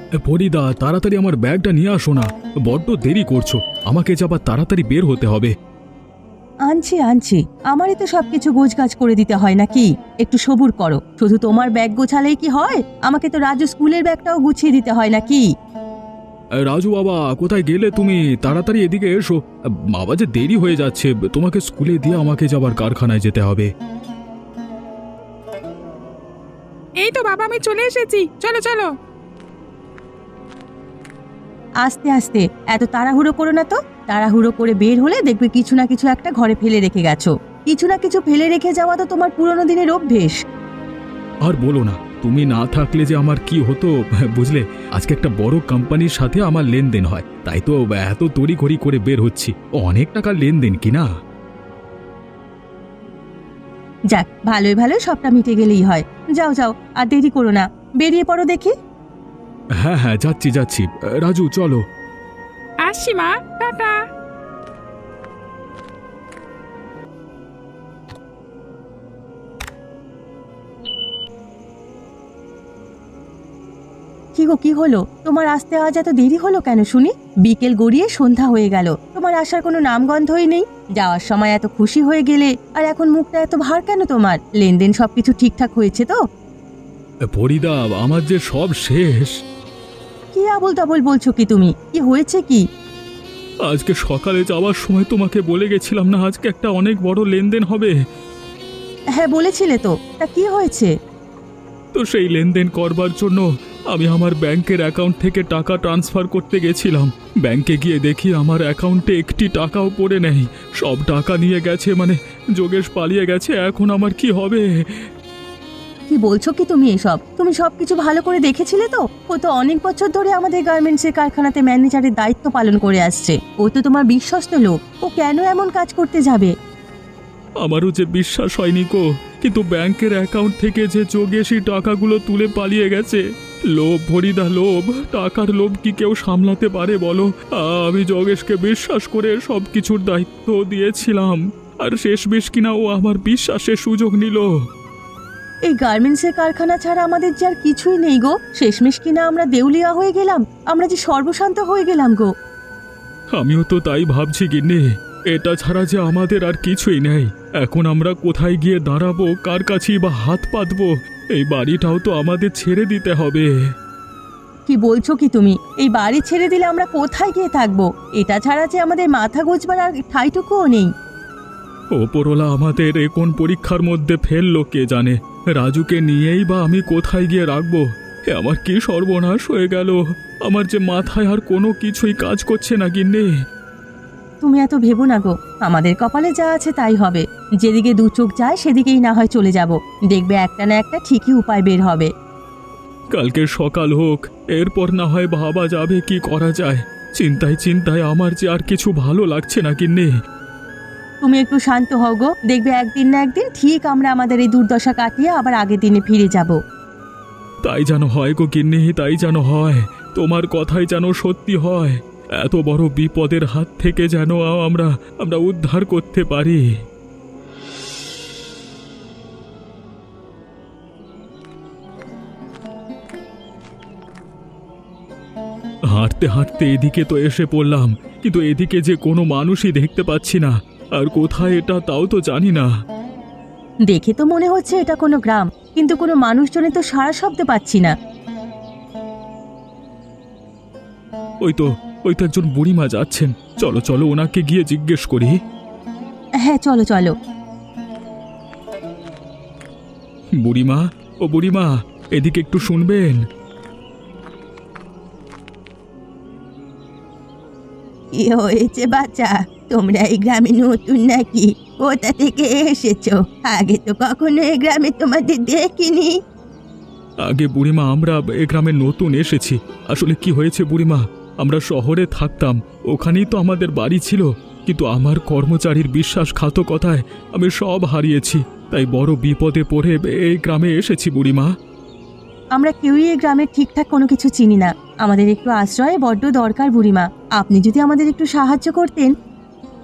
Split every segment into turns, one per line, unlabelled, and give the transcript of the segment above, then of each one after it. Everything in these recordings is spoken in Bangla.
ফরিদা, তাড়াতাড়ি আমার ব্যাগটা নিয়ে আসো না, বড্ড দেরি করছো। আমাকে যে আবার তাড়াতাড়ি বের হতে হবে।
আনছি আনছি, আমারই তো সবকিছু গোছগাছ করে দিতে হয় নাকি? একটু সবুর করো। শুধু তোমার ব্যাগ গোছালেই কি হয়? আমাকে তো রাজু স্কুলের ব্যাগটাও গুছিয়ে দিতে হয় নাকি?
রাজু বাবা, কোথায় গেলে তুমি? তাড়াতাড়ি এদিকে এসো। বাবা, যে দেরি হয়ে যাচ্ছে, তোমাকে স্কুলে দিয়ে আমাকে যাবার কারখানায় যেতে হবে।
এই তো বাবা, আমি চলে এসেছি, চলো চলো।
আস্তে আস্তে, এত তাড়াহুড়ো করো না তো। তাড়াহুড়ো করে বের হলে দেখবে কিছু না কিছু একটা ঘরে ফেলে রেখে গেছো। কিছু না কিছু ফেলে রেখে যাওয়া তো তোমার পুরোনো দিনের অভ্যেস।
আর বলো না, তুমি না থাকলে যে আমার কি হতো বুঝলে। আজকে একটা বড় কোম্পানির সাথে আমার লেনদেন হয়, তাই তো এত তড়িঘড়ি করে বের হচ্ছি। অনেক টাকার লেনদেন কিনা।
যাক, ভালোই ভালোই সবটা মিটে গেলেই হয়। যাও যাও, আর দেরি করো না, বেরিয়ে পড়ো দেখি।
হ্যাঁ হ্যাঁ, যাচ্ছি যাচ্ছি। রাজু, চলো।
আসছি মা, টাটা।
কি গো, কি হলো তোমার? আসতে আজ এত দেরি হলো কেন শুনি? বিকেল গড়িয়ে সন্ধ্যা হয়ে গেল, তোমার আসার কোনো নামগন্ধই নেই। যাওয়ার সময় এত খুশি হয়ে গেলে, আর এখন মুখটা এত ভার কেন তোমার? লেনদেন সবকিছু ঠিকঠাক হয়েছে তো?
ফরিদা, আমার যে সব শেষ।
কি আবোল তাবোল বলছো কি তুমি? কি হয়েছে কি?
আজকে সকালে যাওয়ার সময় তোমাকে বলে গেছিলাম না, আজকে একটা অনেক বড় লেনদেন হবে।
হ্যাঁ বলেছিলে তো, তা কি হয়েছে?
তো সেই লেনদেন করবার জন্য আমি আমার ব্যাংকের অ্যাকাউন্ট থেকে টাকা ট্রান্সফার করতে গেছিলাম। ব্যাংকে গিয়ে দেখি আমার অ্যাকাউন্টে একটি টাকাও পড়ে নেই। সব টাকা নিয়ে গেছে, মানে যোগেশ পালিয়ে গেছে। এখন আমার কি হবে?
কি বলছো কি তুমি এসব? তুমি সবকিছু ভালো করে দেখেছিলে তো? ও তো অনেক বছর ধরে আমাদের গার্মেন্টসের কারখানাতে ম্যানেজারের দায়িত্ব পালন করে আসছে। ও তো তোমার বিশ্বস্ত লোক। ও কেন এমন কাজ করতে যাবে?
আমারও যে বিশ্বাস হয়নি গো, কিন্তু ব্যাংকের অ্যাকাউন্ট থেকে যে যোগেশই টাকাগুলো তুলে পালিয়ে গেছে। লোভ ফরিদা, লোভ। টাকার লোভ কি কেউ সামলাতে পারে বলো? আমি যোগেশকে বিশ্বাস করে সব কিছুর দায়িত্ব দিয়েছিলাম, আর শেষমেশ কিনা ও আমার বিশ্বাসের সুযোগ নিল।
এই গার্মেন্টসের কারখানা ছাড়া আমাদের যে আর কিছুই নেই গো। শেষমেশ কিনা আমরা দেউলিয়া হয়ে গেলাম, আমরা যে সর্বশান্ত হয়ে গেলাম গো।
আমিও তো তাই ভাবছি গিন্নি। এটা ছাড়া যে আমাদের আর কিছুই নেই। এখন আমরা কোথায় গিয়ে দাঁড়াবো, কার কাছেই বা হাত পাতবো? এই বাড়িটাও তো আমাদের ছেড়ে দিতে হবে।
কি বলছো কি তুমি? এই বাড়ি ছেড়ে দিলে আমরা কোথায় গিয়ে থাকবো? এটা ছাড়া যে আমাদের মাথা গোঁজবার আর ঠাইটুকুও নেই।
ওপরওয়ালা আমাদের এ কোন পরীক্ষার মধ্যে ফেললো কে জানে। রাজুকে নিয়েই বা আমি কোথায় গিয়ে রাখবো? এ আমার কি সর্বনাশ হয়ে গেল! আমার যে মাথায় আর কোনো কিছুই কাজ করছে না গিন্নি।
তুমি এত ভেবো না গো, আমাদের কপালে যা আছে তাই হবে। যেদিকে দু চোখ যায় সেদিকেই না হয় চলে যাব। দেখবে একটা না একটা ঠিকই উপায় বের হবে।
কালকে সকাল হোক, এরপর না হয় ভাবা যাবে কি করা যায়। চিন্তায় চিন্তায় আমার যে আর কিছু ভালো লাগছে না গিন্নি।
তুমি একটু শান্ত হও গো, দেখবে একদিন না একদিন ঠিক আমরা আমাদের এই দুর্দশা কাটিয়ে আবার আগের দিনে ফিরে যাব।
তাই যেন হয় গো গিন্নি, তাই যেন হয়। তোমার কথাই যেন সত্যি হয়। এত বড় বিপদের হাত থেকে যেন আমরা আমরা উদ্ধার করতে পারি। হাঁটতে হাঁটতে এদিকে তো এসে পড়লাম, কিন্তু এদিকে যে কোনো মানুষই দেখতে পাচ্ছি না। আর কোথায় এটা তাও তো জানি না।
দেখে তো মনে হচ্ছে এটা কোনো গ্রাম, কিন্তু কোনো মানুষজনের তো সাড়া শব্দ পাচ্ছি না।
ওই তো একজন বুড়িমা যাচ্ছেন। চলো চলো, ওনাকে গিয়ে জিজ্ঞেস করি।
হ্যাঁ চলো চলো।
বুড়িমা, ও বুড়িমা, এদিকে একটু শুনবেন।
কি হয়েছে বাচ্চা? তোমরা এই গ্রামে নতুন নাকি? কোথা থেকে এসেছো? আগে তো কখনো এই গ্রামে তোমাদের দেখিনি।
আগে বুড়িমা, আমরা এ গ্রামে নতুন এসেছি। আসলে কি হয়েছে বুড়িমা, আমরা শহরে থাকতাম, ওখানেই তো আমাদের বাড়ি ছিল। কিন্তু আমার কর্মচারীর বিশ্বাসঘাতকতায় আমি সব হারিয়েছি। তাই বড় বিপদে পড়ে এই গ্রামে এসেছি বুড়িমা।
আমরা কেউই এই গ্রামের ঠিকঠাক কোনো কিছু চিনি না। আমাদের একটু আশ্রয় বড্ড দরকার বুড়িমা। আপনি যদি আমাদের একটু সাহায্য করতেন।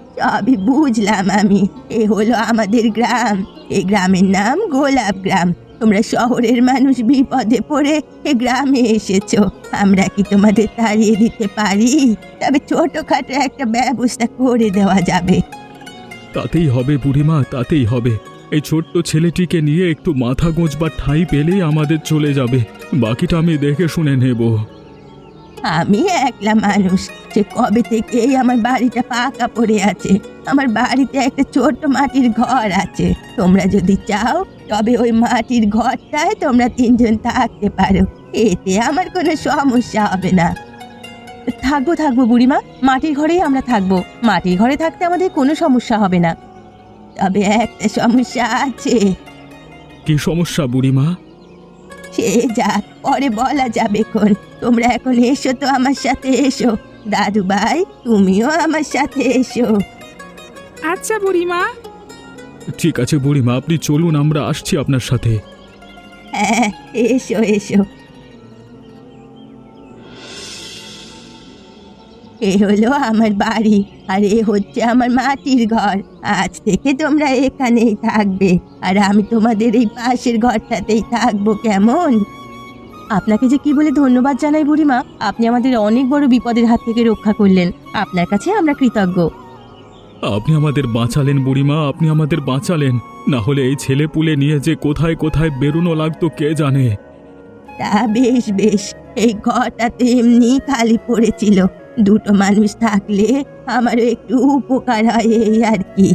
সবই বুঝলাম আমি। এ হলো আমাদের গ্রাম। এই গ্রামের নাম গোলাপ গ্রাম। তোমরা শহরের মানুষ বিপদে পড়ে এ গ্রামে এসেছো, আমরা কি তোমাদের তাড়িয়ে দিতে পারি? তবে ছোটখাটো একটা ব্যবস্থা করে দেওয়া যাবে।
তাতেই হবে বুড়িমা, তাতেই হবে। এই ছোট্ট ছেলেটিকে নিয়ে একটু মাথা গোঁজবার ঠাঁই পেলেই আমাদের চলে যাবে, বাকিটা আমি দেখে শুনে নেব।
আমি একলা মানুষ, যে কবে থেকেই আমার বাড়িটা পাকা পড়ে আছে। আমার বাড়িতে একটা ছোট্ট মাটির ঘর আছে। তোমরা যদি চাও তবে ওই মাটির ঘরটায় তোমরা তিনজন থাকতে পারো, এতে আমার কোনো সমস্যা হবে না। থাকবো থাকবো বুড়িমা, মাটির ঘরেই আমরা থাকবো। মাটির ঘরে থাকতে আমাদের কোনো সমস্যা হবে না। তবে একটা সমস্যা আছে।
কি সমস্যা বুড়িমা?
সে যাক, পরে বলা যাবে কোন। তোমরা এখন এসো তো, আমার সাথে এসো। দাদু ভাই, তুমিও আমার সাথে এসো।
আচ্ছা বুড়িমা।
ঠিক আছে বুড়িমা, আপনি চলুন, আমরা আসছি আপনার সাথে।
হ্যাঁ, এসো এসো। এ হলো আমার বাড়ি, আর এ হচ্ছে আমার মাটির ঘর। আজ থেকে তোমরা এখানেই থাকবে, আর আমি তোমাদের এই পাশের ঘরটাতেই থাকবো, কেমন? আপনাকে যে কি বলে ধন্যবাদ জানাই বুড়িমা, আপনি আমাদের অনেক বড় বিপদের হাত থেকে রক্ষা করলেন। আপনার কাছে আমরা কৃতজ্ঞ।
আপনি আমাদের বাঁচালেন বুড়িমা, আপনি আমাদের বাঁচালেন। না হলে এই ছেলে পুলে নিয়ে যে কোথায় কোথায় বেরোনো লাগতো কে জানে।
তা বেশ বেশ, এই ঘরটা তো এমনি খালি পড়েছিল। দুটো মানুষ থাকলে আমারও একটু উপকার হয়, এই আর কি।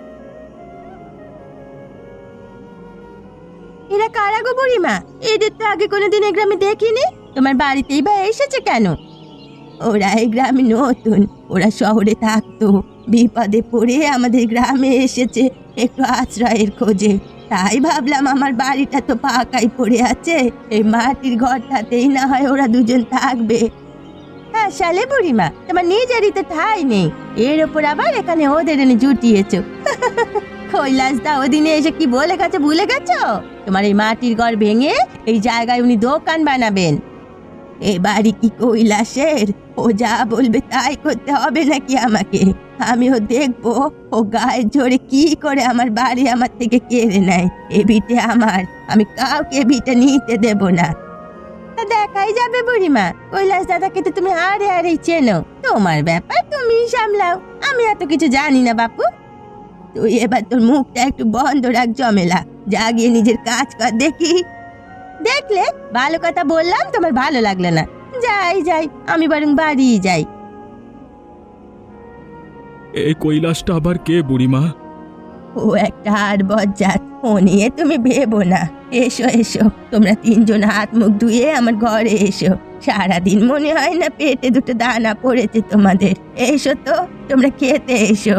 এরা কারা গো বুড়িমা? এদের তো আগে কোনোদিন এই গ্রামে দেখিনি। তোমার বাড়িতেই বা এসেছে কেন? ওরা এই গ্রামে নতুন, ওরা শহরে থাকতো। বিপদে পড়ে আমাদের গ্রামে এসেছে একটু আশ্রয়ের খোঁজে। তাই ভাবলাম আমার বাড়িটা তো পাকাই পড়ে আছে, এই মাটির ঘরটাতেই না হয় ওরা দুজন থাকবে। হ্যাঁ শালে বুড়িমা, তোমার নিজেরই তো ঠাঁই নেই, এর ওপর আবার এখানে ওদের এনে জুটিয়েছো। কৈলাসদা ওদিনে এসে কি বলে গেছে ভুলে গেছো? তোমার এই মাটির ঘর ভেঙে এই জায়গায় উনি দোকান বানাবেন। এ বাড়ি কি কৈলাসের? ও যা বলবে তাই করতে হবে নাকি আমাকে? আমিও দেখবো ও গায়ের জোরে কি করে আমার বাড়ি আমার থেকে কেড়ে নেয়। এ ভিটে আমার, আমি কাউকে ভিটে নিতে দেব না। তা দেখাই যাবে বুড়িমা, কৈলাস দাদাকে তো তুমি হারেই চেনো। তোমার ব্যাপার তুমি সামলাও, আমি এত কিছু জানি না বাপু। তুই এবার তোর মুখটা একটু বন্ধ রাখ জমেলা, যা গিয়ে নিজের কাজ কর দেখি। দেখলে ভালো কথা বললাম, তোমার ভালো লাগলো না। যাই যাই, আমি বরং বাড়ি যাই।
এই কৈলাসটা আবার কে বুড়িমা?
ও একটা আর বজ্জাত, ও নিয়ে তুমি ভেবো না। এসো এসো, তোমরা তিনজন হাত মুখ ধুয়ে আমার ঘরে এসো। সারাদিন মনে হয় না পেটে দুটো দানা পড়েছে তোমাদের। এসো তো, তোমরা খেতে এসো।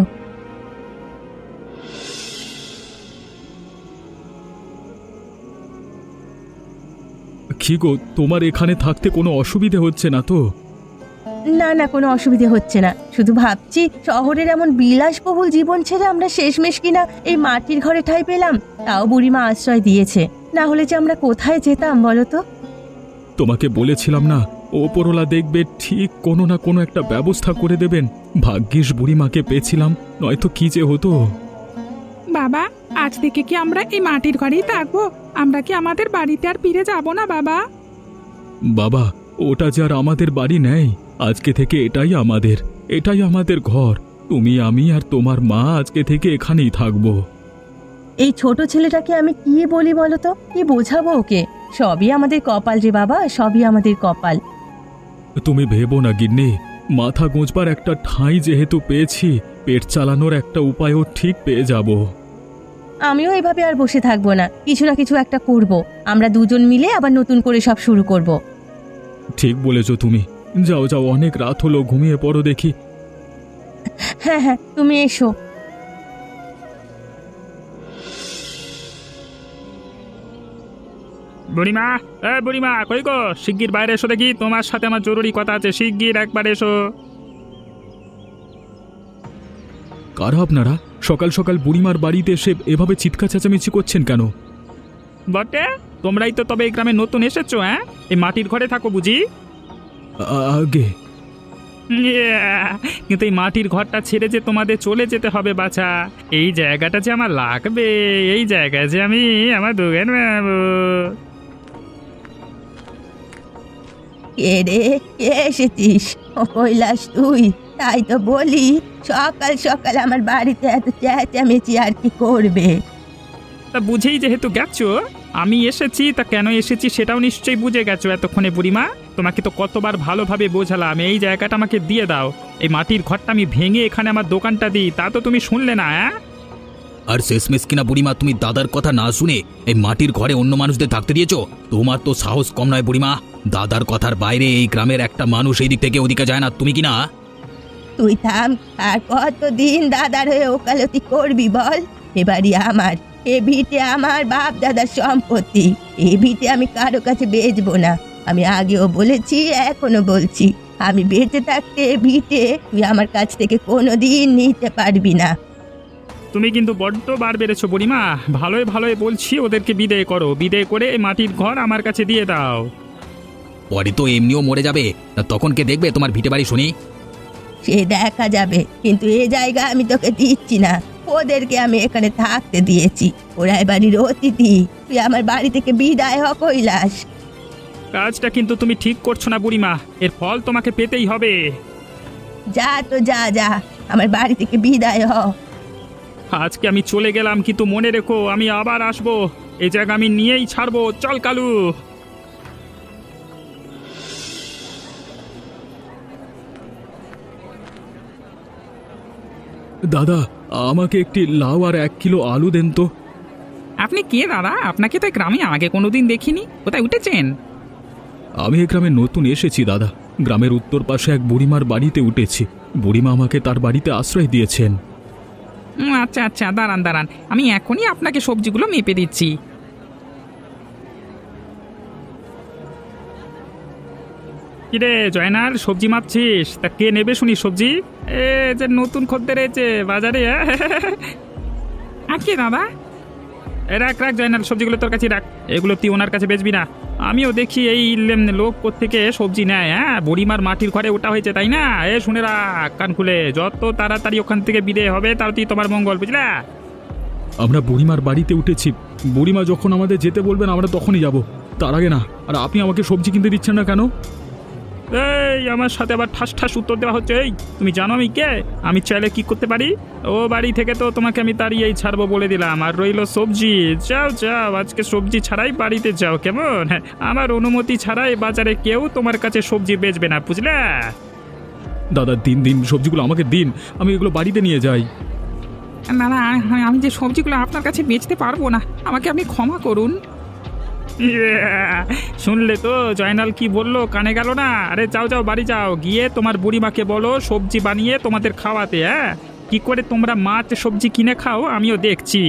কি গো, তোমার এখানে থাকতে কোনো অসুবিধে হচ্ছে না তো?
না না, কোনো অসুবিধে হচ্ছে না। শুধু ভাবছি শহরের এমন বিলাসবহুল জীবন ছেড়ে আমরা শেষমেশ কিনা এই মাটির ঘরে ঠাঁই পেলাম। তাও বুড়িমা আশ্রয় দিয়েছে, না হলে যে আমরা কোথায় যেতাম বলো তো?
তোমাকে বলেছিলাম না, ওপরওয়ালা দেখবে ঠিক কোনো না কোনো একটা ব্যবস্থা করে দেবেন। ভাগ্যিস বুড়িমাকে পেয়েছিলাম, নয়তো কি যে হতো।
বাবা, আজ থেকে কি আমরা এই মাটির ঘরেই থাকবো? আমরা কি আমাদের বাড়িতে আর ফিরে যাব না বাবা?
বাবা, ওটা যে আর আমাদের বাড়ি নেই, আজকে থেকে এটাই আমাদের ঘর। তুমি, আমি আর তোমার মা আজকে থেকে এখানেই থাকবো।
এই ছোট ছেলেটাকে আমি কি বলি বলো তো? কি বোঝাবো ওকে? সবই আমাদের কপাল রে বাবা, সবই আমাদের কপাল।
তুমি ভেবো না গিন্নি, মাথা গোঁজবার একটা ঠাঁই যেহেতু পেয়েছি, পেট চালানোর একটা উপায়ও ঠিক পেয়ে যাব।
আমিও এভাবে আর বসে থাকবো না, কিছু না কিছু একটা করব। আমরা দুজন মিলে আবার নতুন করে সব শুরু করব।
ঠিক বলেছো তুমি। যাও যাও, অনেক রাত হলো, ঘুমিয়ে পড়ো দেখি।
হ্যাঁ হ্যাঁ, তুমি এসো।
বুড়িমা, বুড়িমা কই গো? শিগগির বাইরে এসো দেখি, তোমার সাথে আমার জরুরি কথা আছে। শিগগির একবার এসো।
কারা আপনারা? সকাল সকাল বুড়িমার বাড়িতে এসে এভাবে চিৎকার চেঁচামেচি করছেন কেন?
বটে, তোমরাই তো তবে এই গ্রামে নতুন এসেছো? হ্যাঁ, এই মাটির ঘরে থাকো বুঝি?
আগে
কিন্তু এই মাটির ঘরটা ছেড়ে যে তোমাদের চলে যেতে হবে বাছা, এই জায়গাটা যে আমার লাগবে, এই জায়গায় যে আমি আমার দোকান বানাবো।
কে রে, কে এসেছিস? ও কৈলাস তুই? তাই তো বলি, সকাল সকাল আমার বাড়িতে এত চেঁচামেচি আর কি করবে?
তা বুঝেই যেহেতু গেছো, আমি এসেছি, তা কেন এসেছি সেটাও নিশ্চয়ই বুঝে গেছো এতক্ষণে বুড়িমা। তোমাকে তো কতবার ভালোভাবে বোঝালাম এই জায়গাটা আমাকে দিয়ে দাও, এই মাটির ঘরটা আমি ভেঙে এখানে আমার দোকানটা দিই, তা তো তুমি শুনলে না।
আর শেষমেশ কিনা বুড়িমা, তুমি দাদার কথা না শুনে এই মাটির ঘরে অন্য মানুষদের থাকতে দিয়েছো? তোমার তো সাহস কম নয় বুড়িমা। দাদার কথার বাইরে এই গ্রামের একটা মানুষ এই দিক থেকে ওদিকে যায় না, তুমি কি না?
তুই থাম। আর কতদিন দাদার হয়ে ওকালতি করবি বল? এবারই আমার, এ ভিটে আমার বাপ দাদার সম্পত্তি। এই ভিটে আমি কারো কাছে বেচবো না। আমি আগেও বলেছি, এখনো বলছি, আমি বেঁচে থাকতে এ ভিটে তুই আমার কাছ থেকে কোনোদিন নিতে পারবি না।
তুমি কিন্তু বড্ড বার বেড়েছো বুড়িমা। ভালোই ভালোই বলছি, ওদেরকে বিদায় করো, বিদায় করে এই মাটির ঘর আমার কাছে দিয়ে দাও।
পরে তো এমনিও মরে যাবে, তা তখন কে দেখবে তোমার ভিটে বাড়ি শুনি?
সে দেখা যাবে, কিন্তু এ জায়গা আমি তোকে দিচ্ছি না। ওদেরকে আমি এখানে থাকতে দিয়েছি, ওরা বাড়ির অতিথি। তুই আমার বাড়ি থেকে বিদায় হ কৈলাস।
কাজটা কিন্তু তুমি ঠিক করছো না বুড়িমা, এর ফল তোমাকে পেতেই হবে।
যা তো যা যা, আমার বাড়ি থেকে বিদায় হ।
আজকে আমি চলে গেলাম, কিন্তু মনে রেখো আমি আবার আসবো, এই জায়গা আমি নিয়েই ছাড়বো। চল কালু।
দাদা, আমাকে একটি লাউ আর 1 কিলো আলু দেন তো।
আপনি কে দাদা? আপনাকে তো এই গ্রামে আগে কোনোদিন দেখিনি। কোথায় উঠেছেন?
আমি এ গ্রামে নতুন এসেছি দাদা। গ্রামের উত্তর পাশে এক বুড়িমার বাড়িতে উঠেছি। বুড়িমা আমাকে তার বাড়িতে আশ্রয় দিয়েছেন।
আচ্ছা আচ্ছা, দাঁড়ান দাঁড়ান, আমি এখনই আপনাকে সবজিগুলো মেপে দিচ্ছি।
কিরে জয়নাল, সবজি মাপছিস? তা কে নেবে শুনি সবজি? এ যে নতুন খদ্দের এসেছে বাজারে।
আজকে দাদা
রাখ রাখ জয়নাল, সবজিগুলো তোর কাছে রাখ, এগুলো তুই ওনার কাছে বেচবি না। আমিও দেখি এই লোক কোত্থেকে সবজি নেয়। বুড়িমার মাটির ঘরে ওটা হয়েছে তাই না? শুনে রাখ কান খুলে, যত তাড়াতাড়ি ওখান থেকে বিদায় হবে তাড়াতাড়ি তোমার মঙ্গল, বুঝলা?
আমরা বুড়িমার বাড়িতে উঠেছি। বুড়িমা যখন আমাদের যেতে বলবেন আমরা তখনই যাব, তার আগে না। আর আপনি আমাকে সবজি কিনতে দিচ্ছেন না কেন?
এই আমার সাথে আবার ঠাস ঠাস উত্তর দেওয়া হচ্ছে। এই তুমি জানো আমি কে? আমি চাইলে কি করতে পারি? ও বাড়ি থেকে তো তোমাকে আমি তাড়িয়েই ছাড়বো বলে দিলাম। আর রইল সবজি, যাও যাও, আজকে সবজি ছাড়াই বাড়িতে যাও, কেমন? আমার অনুমতি ছাড়াই বাজারে কেউ তোমার কাছে সবজি বেচবে না, বুঝলা?
দাদা দিন দিন সবজিগুলো আমাকে দিন, আমি এগুলো বাড়িতে নিয়ে যাই।
দাদা, আমি যে সবজিগুলো আপনার কাছে বেচতে পারবো না, আমাকে আপনি ক্ষমা করুন।
শুনলে তো জয়নাল কি বললো, কানে গেল না? আরে যাও যাও, বাড়ি যাও, গিয়ে তোমার বুড়িমাকে বলো সবজি বানিয়ে তোমাদের খাওয়াতে। কি করে তোমরা মাছ সবজি কিনে খাও আমিও দেখছি।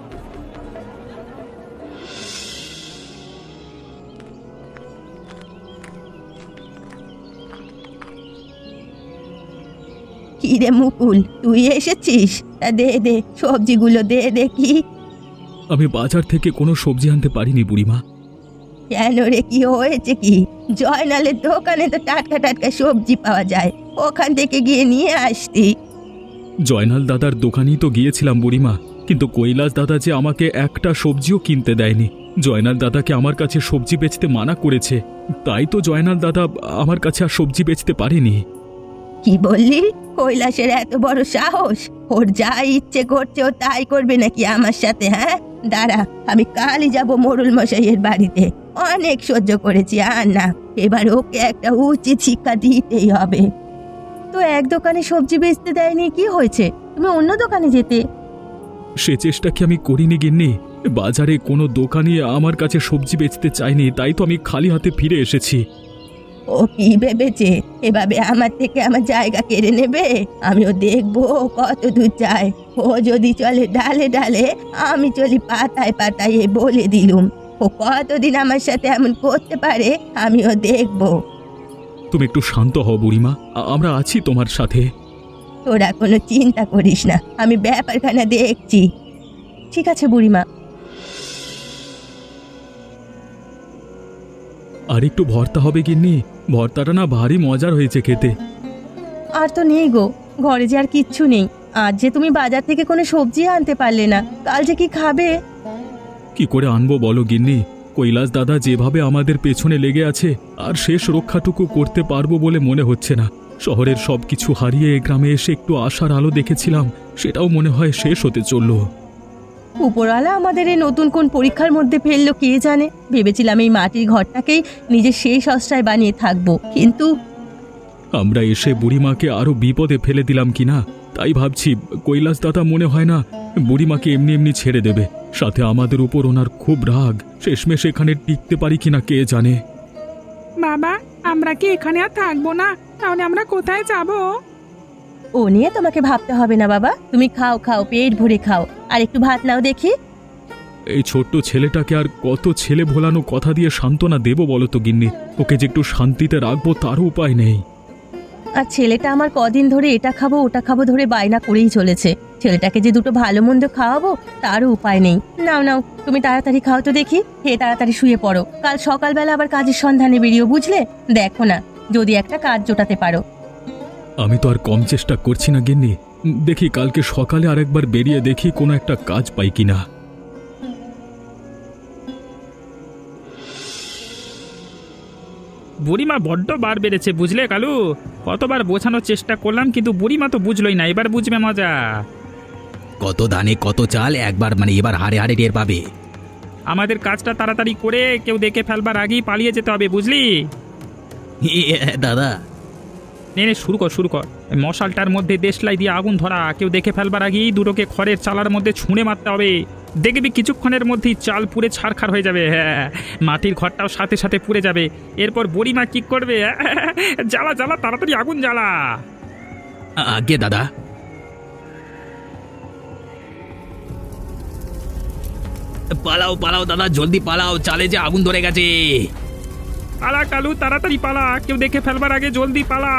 কি রে মুকুল, তুই এসেছিস? তা দে দে, সবজিগুলো দে দেখি।
আমি বাজার থেকে কোনো সবজি আনতে পারিনি বুড়িমা।
কেন রে, কি হয়েছে কি? জয়নালের দোকানে তো টাটকা টাটকা সবজি পাওয়া যায়, ওখান থেকে গিয়ে নিয়ে আসতি।
জয়নাল দাদার দোকানেই তো গিয়েছিলাম বুড়িমা, কিন্তু কৈলাস দাদা যে আমাকে একটা সবজিও কিনতে দেয়নি। জয়নাল দাদাকে আমার কাছে সবজি বেচতে মানা করেছে, তাই তো জয়নাল দাদা আমার কাছে আর সবজি বেচতে পারেনি।
কি বললি? কৈলাসের এত বড় সাহস! ওর যা ইচ্ছে করছে ও তাই করবে নাকি আমার সাথে? হ্যাঁ, দাঁড়া, আমি কালই যাব মোড়ল মশাইয়ের বাড়িতে। অনেক সহ্য করেছি, আর না, এবার ওকে একটা উচিত শিক্ষা দিতেই হবে। তো এক দোকানে সবজি বেচতে দেয়নি, কি হয়েছে? তুমি অন্য দোকানে যেতে।
সে চেষ্টা কি আমি করিনি গিন্নি? বাজারে কোনো দোকানি আমার কাছে সবজি বেচতে চায়নি, তাই তো আমি খালি হাতে ফিরে এসেছি।
ও কি ভেবেছে এভাবে আমার থেকে আমার জায়গা কেড়ে নেবে? আমিও দেখবো ও কত দূর যায়। ও যদি চলে ডালে ডালে, আমি চলি পাতায় পাতায়, এ বলে দিলুম। ও কতদিন আমার সাথে এমন করতে পারে আমিও দেখবো।
তুমি একটু শান্ত হও বুড়িমা, আমরা আছি তোমার সাথে।
তোরা কোনো চিন্তা করিস না, আমি ব্যাপারখানা দেখছি। ঠিক আছে বুড়িমা।
আর একটু ভর্তা হবে গিন্নি, ভর্তাটা না ভারী মজার হয়েছে খেতে।
আর তো নেই গো, ঘরে যে আর কিচ্ছু নেই। আজ যে তুমি বাজার থেকে কোনো সবজি আনতে পারলে না, কাল যে কি খাবে?
কি করে আনবো বলো গিন্নি? কৈলাস দাদা যেভাবে আমাদের পেছনে লেগে আছে, আর শেষ রক্ষাটুকু করতে পারবো বলে মনে হচ্ছে না। শহরের সবকিছু হারিয়ে গ্রামে এসে একটু আশার আলো দেখেছিলাম, সেটাও মনে হয় শেষ হতে চলল।
উপরওয়ালা আমাদের এই নতুন কোন পরীক্ষার মধ্যে ফেললো কে জানে। ভেবেছিলাম এই মাটির ঘরটাকেই নিজের শেষ আশ্রয় বানিয়ে থাকবো, কিন্তু
আমরা এসে বুড়িমাকে আরো বিপদে ফেলে দিলাম কিনা তাই ভাবছি। কৈলাস দাদা মনে হয় না বুড়িমাকে এমনি এমনি ছেড়ে দেবে। সাথে আমাদের উপর ওনার খুব রাগ। শেষমেশ এখানে টিকতে পারি কিনা কে জানে।
বাবা, আমরা কি এখানে আর থাকবো না? তাহলে আমরা কোথায় যাব?
ও নিয়ে তোমাকে ভাবতে হবে না বাবা। তুমি খাও খাও, পেট ভরে খাও। আর একটু ভাত নাও দেখি।
এই ছোট্ট ছেলেটাকে আর কত ছেলে ভোলানো কথা দিয়ে সান্ত্বনা দেবো বলো তো গিন্নি? ওকে যে একটু শান্তিতে রাখবো তারও উপায় নেই।
আর ছেলেটা আমার কদিন ধরে এটা খাবো ওটা খাবো ধরে বায়না করেই চলেছে। ছেলেটাকে যে দুটো ভালো মন্দ খাওয়াবো তারও উপায় নেই। নাও নাও, তুমি তাড়াতাড়ি খাও তো দেখি। খেয়ে তাড়াতাড়ি শুয়ে পড়ো, কাল সকালবেলা আবার কাজের সন্ধানে বেরিয়েও, বুঝলে? দেখো না যদি একটা কাজ জোটাতে পারো।
আমি তো আর কম চেষ্টা করছি না গিন্নি। দেখি কালকে সকালে আরেকবার বেরিয়ে দেখি কোনো একটা কাজ পাই কিনা।
বুড়িমা বড্ড বার বেড়েছে, বুঝলে কালু? কতবার বোঝানোর চেষ্টা করলাম, কিন্তু বুড়িমা তো বুঝলই না। এবার বুঝবে মজা।
কত ধানে কত চাল, একবার মানে এবার হারে হারে টের পাবে।
আমাদের কাজটা তাড়াতাড়ি করে কেউ দেখে ফেলবার আগেই পালিয়ে যেতে হবে, বুঝলি?
দাদা,
নে নে, শুরু কর শুরু কর। এই মশালটার মধ্যে দেশলাই দিয়ে আগুন ধরা। কেউ দেখে ফেলবার আগেই দুটোকে খড়ের চালার মধ্যে ছুঁড়ে মারতে হবে। দেখবি কিছুক্ষণের মধ্যেই চাল পুড়ে ছারখার হয়ে যাবে। হ্যাঁ, মাটির ঘরটাও সাথে সাথে পুড়ে যাবে। এরপর বুড়িমা কি করবে? জ্বালা জ্বালা, তাড়াতাড়ি আগুন জ্বালা।
আগে দাদা। পালাও পালাও দাদা, জলদি পালাও, চালে যে আগুন ধরে গেছে।
পালা কালু, তাড়াতাড়ি পালা। কেউ দেখে ফেলবার আগে জলদি পালা।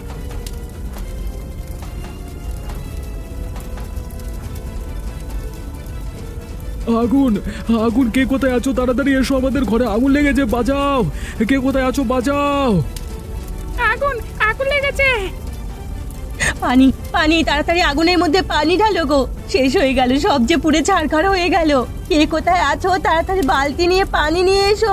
আগুন আগুন, কে কোথায় আছো? তাড়াতাড়ি এসো, আমাদের ঘরে আগুন লেগেছে, বাঁচাও। কে কোথায় আছো? বাঁচাও।
আগুন আগুন লেগেছে।
পানি পানি, তাড়াতাড়ি আগুনের মধ্যে পানি ঢালো গো। শেষ হয়ে গেল, সব যে পুড়ে ছারখার হয়ে গেল। কে কোথায় আছো? তাড়াতাড়ি বালতি নিয়ে পানি নিয়ে এসো।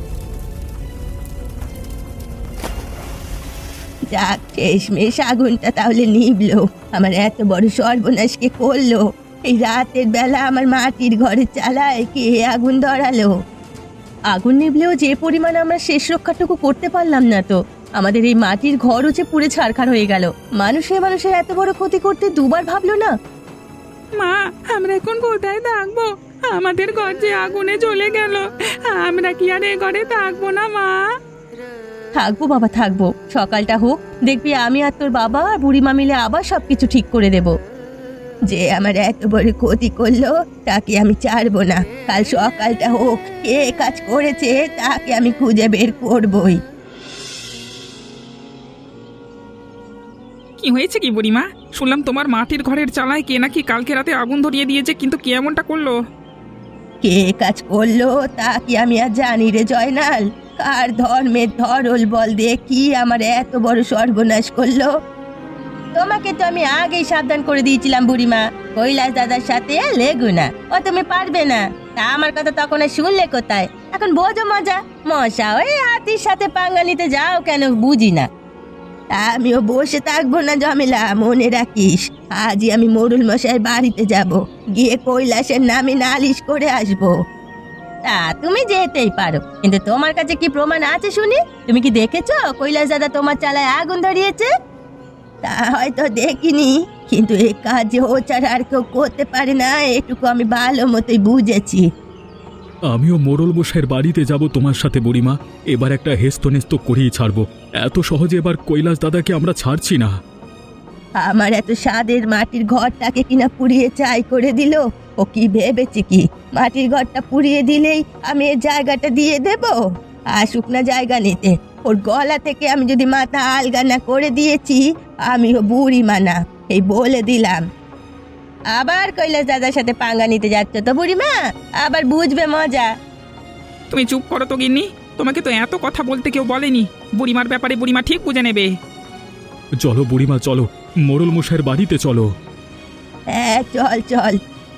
যাক, শেষমেশ আগুনটা তাহলে নিভলো। আমার এত বড় সর্বনাশ কে করলো? এই রাতের বেলা আমার মাটির ঘরের চালায় কে আগুন ধরালো? আগুন নিভলেও যে পরিমাণ আমরা শেষ রক্ষাটুকু করতে পারলাম না তো। আমাদের এই মাটির ঘরও যে পুড়ে ছারখার হয়ে গেল। মানুষের এত বড় ক্ষতি করতে দুবার ভাবলো না।
মা, আমরা এখন কোথায় থাকবো? আমাদের ঘর যে আগুনে জ্বলে গেল। আমরা কি আর এ ঘরে থাকবো না মা?
থাকবো বাবা, থাকবো। সকালটা হোক, দেখবি আমি আর তোর বাবা আর বুড়িমা মিলে আবার সবকিছু ঠিক করে দেব। যে আমার এত বড় ক্ষতি করলো তাকে আমি ছাড়বো না। কাল সকালটা হোক, কে কাজ করেছে তাকে আমি খুঁজে বের করবই।
কি হয়েছে কি বুড়িমা? শুনলাম তোমার মাটির ঘরের চালায় কে নাকি কালকে রাতে আগুন ধরিয়ে দিয়েছে, কিন্তু কে এমনটা করলো?
কে কাজ করলো তা কি আমি আর জানি রে জয়নাল? কার ধর্মের ধরল বল দিয়ে কি আমার এত বড় সর্বনাশ করলো? তোমাকে তো আমি আগেই সাবধান করে দিয়েছিলাম বুড়িমা, কৈলাস দাদার সাথে লেগু না, ও তুমি পারবে না। তা আমার কথা তখন আর শুনলে কোথায়? এখন বোঝো মজা। মশা ওই হাতির সাথে পাঙ্গা নিতে যাও কেন বুঝি না। তা আমিও বসে থাকবো না ঝামেলা, মনে রাখিস। আজই আমি মোড়ল মশাই বাড়িতে যাব, গিয়ে কৈলাসের নামে নালিশ করে আসবো। তা তুমি যেতেই পারো, কিন্তু তোমার কাছে কি প্রমাণ আছে শুনি? তুমি কি দেখেছো কৈলাস দাদা তোমার চালায় আগুন ধরিয়েছে? তা হয়তো দেখিনি, কিন্তু এই কাজ যে ও ছাড়া আর কেউ করতে পারে না এটুকু আমি ভালো মতোই বুঝেছি।
আমিও মোড়ল মশাইয়ের বাড়িতে যাব তোমার সাথে বুড়িমা। এবার একটা হেস্তনেস্ত করেই ছাড়বো। এত সহজে এবার কৈলাস দাদাকে আমরা ছাড়ছি না।
আমার এত স্বাদের মাটির ঘরটাকে কিনা পুড়িয়ে ছাই করে দিল। ও কি ভেবেছে কি মাটির ঘরটা পুড়িয়ে দিলেই আমি এর জায়গাটা দিয়ে দেব? আসুক না জায়গা নিতে। ওর গলা থেকে আমি যদি মাথা আলগা না করে দিয়েছি, আমিও বুড়িমা না, এই বলে দিলাম। আবার কৈলাস দাদার সাথে পাঙ্গা নিতে যাচ্ছ তো বুড়িমা? আবার বুঝবে মজা।
তুমি চুপ করো তো গিন্নি, তোমাকে তো এত কথা বলতে কেউ বলেনি। বুড়িমার ব্যাপারে বুড়িমা ঠিক বুঝে নেবে।
চলো বুড়িমা চলো, মোড়ল মশাইয়ের বাড়িতে চলো।
হ্যাঁ চল চল।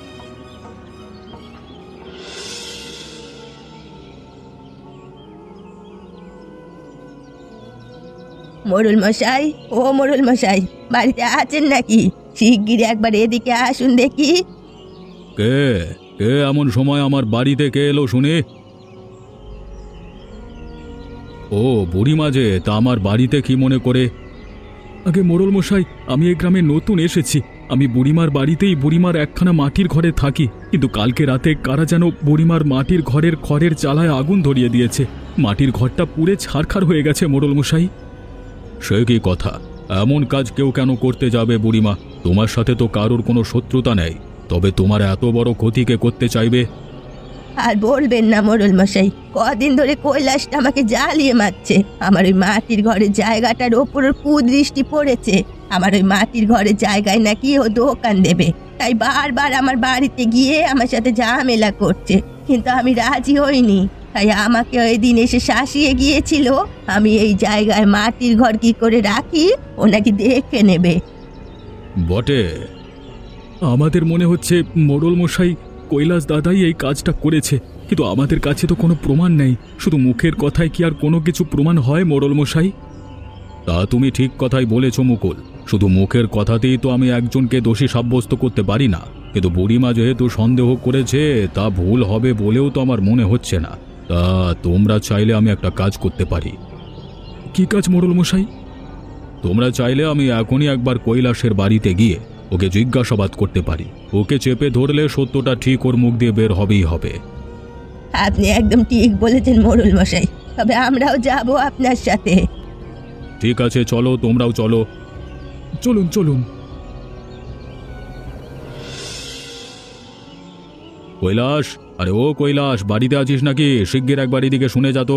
মোড়ল মশাই, ও মোড়ল মশাই, বাড়িতে আছেন নাকি? শিগগির একবার এদিকে আসুন দেখি।
কে কে এমন সময় আমার বাড়িতে কে এলো শুনে? ও বুড়িমা যে, তা আমার বাড়িতে কি মনে করে? আগে মোড়ল মশাই, আমি এই গ্রামে নতুন এসেছি। আমি বুড়িমার বাড়িতেই বুড়িমার একখানা মাটির ঘরে থাকি, কিন্তু কালকে রাতে কারা যেন বুড়িমার মাটির ঘরের খড়ের চালায় আগুন ধরিয়ে দিয়েছে। মাটির ঘরটা পুড়ে ছারখার হয়ে গেছে মোড়ল মশাই। সে কি কথা? এমন কাজ কেউ কেন করতে যাবে বুড়িমা? তোমার সাথে তো কারোর কোনো শত্রুতা নেই, তবে তোমার এত বড় ক্ষতিকে করতে চাইবে?
আর বলবেন না মোড়ল মশাই, কদিন ধরে কৈলাসটা আমাকে জ্বালিয়ে মারছে। আমার ওই মাটির ঘরের জায়গাটার ওপর ওর কুদৃষ্টি পড়েছে। আমার ওই মাটির ঘরের জায়গায় নাকি ও দোকান দেবে, তাই বারবার আমার বাড়িতে গিয়ে আমার সাথে ঝামেলা করছে, কিন্তু আমি রাজি হইনি। তাই আমাকে ওই দিন এসে শাসিয়ে গিয়েছিল আমি এই জায়গায় মাটির ঘর কি করে রাখি ও নাকি দেখে নেবে।
বটে, আমাদের মনে হচ্ছে মোড়ল মশাই কৈলাস দাদাই এই কাজটা করেছে, কিন্তু আমাদের কাছে তো কোনো প্রমাণ নেই। শুধু মুখের কথায় কি আর কোনো কিছু প্রমাণ হয় মোড়ল মশাই? তা তুমি ঠিক কথাই বলেছ মুকুল, শুধু মুখের কথাতেই তো আমি একজনকে দোষী সাব্যস্ত করতে পারি না। কিন্তু বুড়িমা যেহেতু সন্দেহ করেছে, তা ভুল হবে বলেও তো আমার মনে হচ্ছে না। তা তোমরা চাইলে আমি একটা কাজ করতে পারি। কি কাজ মোড়ল মশাই? তোমরা চাইলে আমি এখনই একবার কৈলাসের বাড়িতে গিয়ে ওকে জিজ্ঞাসাবাদ করতে পারি। ওকে চেপে ধরলে সত্যটা ঠিক ওর মুখ দিয়ে বের হবেই হবে।
আপনি একদম ঠিক বলেছেন মোড়ল মশাই, তবে আমরাও যাব আপনার সাথে।
ঠিক আছে, চলো, তোমরাও চলো। চলুন চলুন। কৈলাস, আরে ও কৈলাস, বাড়িতে আছিস নাকি? শিগগির একবার এদিকে শুনে যা তো।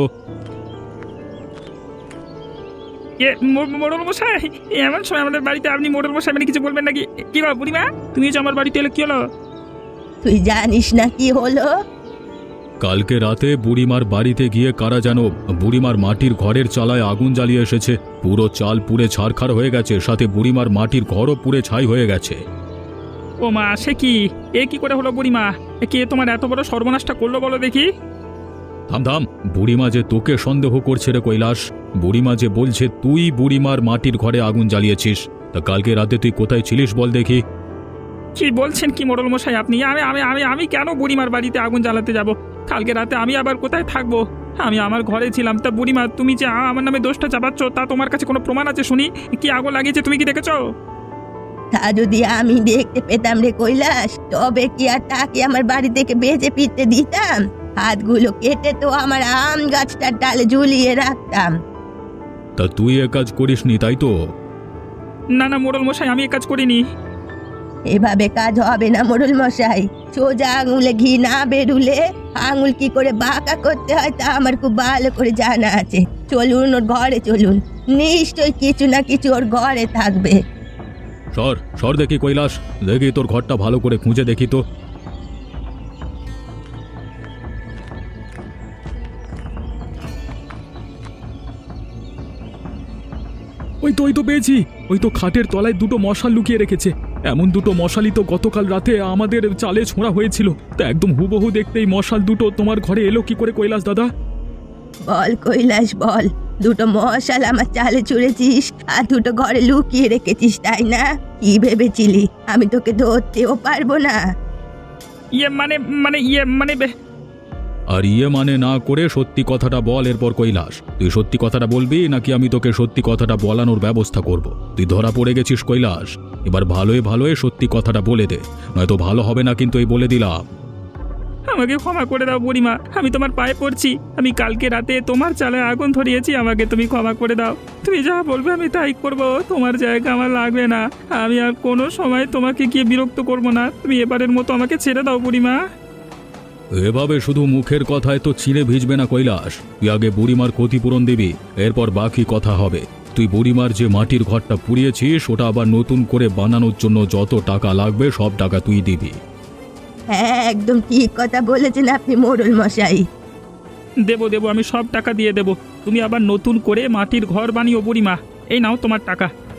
মোড়ল মশাই, এমন সময় আমাদের বাড়িতে আপনি মোড়ল মশাই মানে কিছু বলবেন নাকি? কি বা বুড়িমা, তুমি যে আমার বাড়িতে এলে কি হলো?
তুই জানিস না কি হলো?
কালকে রাতে বুড়িমার বাড়িতে গিয়ে কারা যেন বুড়িমার মাটির ঘরের চালায় আগুন জ্বালিয়ে এসেছে। পুরো চাল পুড়ে ছারখার হয়ে গেছে, সাথে বুড়িমার মাটির ঘরও পুড়ে ছাই হয়ে গেছে।
ও মা, সে কি? এ কি করে হলো বুড়িমা? কে তোমার এত বড় সর্বনাশটা করলো বলো দেখি?
থাম থাম, বুড়িমা যে তোকে সন্দেহ করছে রে কৈলাস। বুড়িমা যে বলছে তুই বুড়িমার মাটির ঘরে আগুন জ্বালিয়েছিস। তা কালকে রাতে তুই কোথায় ছিলিস বল দেখি?
কি বলছেন কি মোড়ল মশাই আপনি? আমি আমি আমি আমি কেন বুড়িমার বাড়িতে আগুন জ্বালাতে যাব? কালকে রাতে আমি আবার কোথায় থাকবো? আমি আমার ঘরে ছিলাম। তা বুড়িমা, তুমি যে আমার নামে দোষটা চাপাচ্ছ, তা তোমার কাছে কোনো প্রমাণ আছে শুনি? কি আগুন লাগিয়েছে তুমি কি দেখেছো?
তা যদি আমি দেখতে পেতাম রে কৈলাস, তবে কি আর তাকে আমার বাড়ি থেকে বেঁচে ফিরতে দিতাম? হাতগুলো কেটে তো আমার আম গাছটার ডালে ঝুলিয়ে রাখতাম।
তা তুই এ কাজ করিসনি, তাই তো?
না না মোড়ল মশাই, আমি এ কাজ করিনি।
এভাবে কাজ হবে না মোড়ল মশাই। সোজা আঙুলে ঘি না বেরুলে আঙুল কি করে বাঁকা করতে হয় তা আমার খুব ভালো করে জানা আছে। চলুন ওর ঘরে চলুন, নিশ্চয়ই কিছু না কিছু ওর ঘরে থাকবে।
সর সর দেখি কৈলাস, দেখি তোর ঘরটা ভালো করে খুঁজে দেখি তো। ওই তো পেয়েছি। ওই তো খাটের তলায় দুটো মশাল লুকিয়ে রেখেছে। এমন দুটো মশালই তো গতকাল রাতে আমাদের চালে ছোঁড়া হয়েছিল। তা একদম হুবহু দেখতেই মশাল দুটো তোমার ঘরে এলো কি করে কৈলাস দাদা?
বল কৈলাস বল, দুটো মশাল আমার চালে ছুঁড়েছিস আর দুটো ঘরে লুকিয়ে রেখেছিস, তাই না? কি ভেবেছিলি আমি তোকে ধরতেও পারবো না?
ইয়ে মানে মানে ইয়ে মানে
আর ইয়ে মানে না করে সত্যি কথাটা বল। এরপর কৈলাস, তুই সত্যি কথাটা বলবি নাকি আমি তোকে সত্যি কথাটা বলানোর ব্যবস্থা করব? তুই ধরা পড়ে গেছিস কৈলাস, এবার ভালোই ভালোই সত্যি কথাটা বলে দে, নয়তো ভালো হবে না কিন্তু, এই বলে দিলাম।
আমাকে ক্ষমা করে দাও বুড়িমা, আমি তোমার পায়ে পড়ছি। আমি কালকে রাতে তোমার চালে আগুন ধরিয়েছি, আমাকে তুমি ক্ষমা করে দাও। তুমি যা বলবে আমি তাই করব, তোমার জায়গা আমার লাগবে না। আমি আর কোনো সময় তোমাকে গিয়ে বিরক্ত করব না। তুমি এবারের মতো আমাকে ছেড়ে দাও বুড়িমা।
এভাবে শুধু মুখের কথায় তো চিড়ে ভিজবে না কৈলাস। তুই আগে বুড়িমার ক্ষতিপূরণ দিবি, এরপর বাকি কথা হবে। তুই বুড়িমার যে মাটির ঘরটা পুড়িয়েছিস ওটা আবার নতুন করে বানানোর জন্য যত টাকা লাগবে সব টাকা তুই দিবি।
হ্যাঁ, একদম ঠিক কথা বলেছেন আপনি মোড়ল মশাই।
দেবো দেবো, আমি সব টাকা দিয়ে দেবো। তুমি আবার নতুন করে মাটির ঘর বানিও বুড়িমা। এই নাও তোমার টাকা।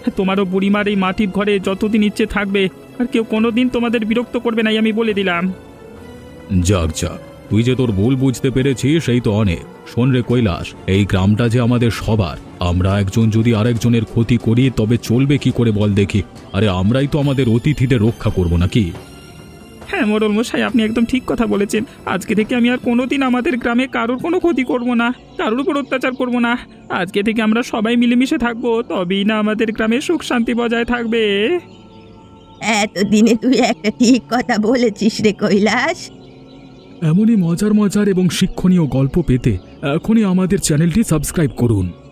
তোমারও বুড়িমার এই মাটির ঘরে যতদিন ইচ্ছে থাকবে, আর কেউ কোনোদিন তোমাদের বিরক্ত করবে না, আমি বলে দিলাম।
যাক যাক, তুই যে তোর ভুল বুঝতে পেরেছিস সেই তো অনেক। শোন রে কৈলাস, এই গ্রামটা যে আমাদের সবার, আমরা একজন যদি আরেকজনের ক্ষতি করি তবে চলবে কি করে বল দেখি? আরে আমরাই তো আমাদের অতিথিদের রক্ষা করব নাকি?
হ্যাঁ মোড়ল মশাই, আপনি একদম ঠিক কথা বলেছেন। আজকে থেকে আমি আর কোনোদিন আমাদের গ্রামে কারোর কোনো ক্ষতি করব না, কারোর উপর অত্যাচার করব না। আজকে থেকে আমরা সবাই মিলেমিশে থাকবো, তবেই না আমাদের গ্রামে সুখ শান্তি বজায় থাকবে।
এতদিনে তুই একটা ঠিক কথা বলেছিস রে কৈলাস।
এমনই মজার মজার এবং শিক্ষণীয় গল্প পেতে এখনই আমাদের চ্যানেলটি সাবস্ক্রাইব করুন।